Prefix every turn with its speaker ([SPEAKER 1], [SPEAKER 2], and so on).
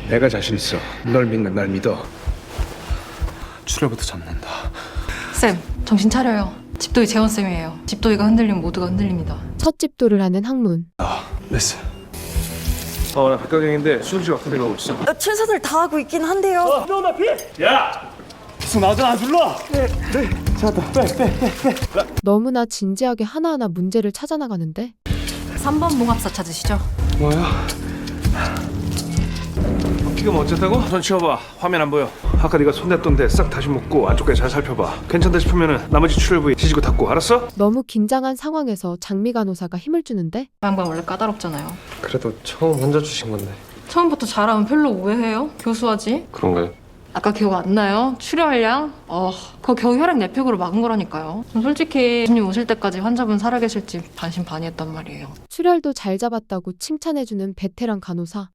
[SPEAKER 1] 내가 자신 있어. 널 믿는 날 믿어.
[SPEAKER 2] 출혈부터 잡는다.
[SPEAKER 3] 쌤, 정신 차려요. 집도이 재원쌤이에요. 집도이가 흔들리면 모두가 흔들립니다.
[SPEAKER 4] 첫 집도를 하는 학문.
[SPEAKER 2] 메스.
[SPEAKER 1] 나 백강경인데 수술실 같은 데 가고 있어.
[SPEAKER 5] 최선을 다하고 있긴 한데요.
[SPEAKER 2] 계속 나오잖아, 불러.
[SPEAKER 4] 너무나 진지하게 하나하나 문제를 찾아나가는데
[SPEAKER 3] 3번 봉합사 찾으시죠?
[SPEAKER 1] 뭐야? 지금 어쨌다고? 손 치워봐. 화면 안 보여. 아까 네가 손댔던데 싹 다시 묶고 안쪽까지 잘 살펴봐. 괜찮다 싶으면은 나머지 출혈 부위 지지고 닫고. 알았어?
[SPEAKER 4] 너무 긴장한 상황에서 장미 간호사가 힘을 주는데
[SPEAKER 3] 양반 원래 까다롭잖아요.
[SPEAKER 6] 그래도 처음 환자 주신 건데
[SPEAKER 3] 처음부터 잘하면 별로 오해해요? 교수하지?
[SPEAKER 6] 그런가요?
[SPEAKER 3] 아까 기억 안 나요? 출혈량? 그거 겨우 혈액 내팩으로 막은 거라니까요. 전 솔직히 교수님 오실 때까지 환자분 살아계실지 반신반의했단 말이에요.
[SPEAKER 4] 출혈도 잘 잡았다고 칭찬해주는 베테랑 간호사.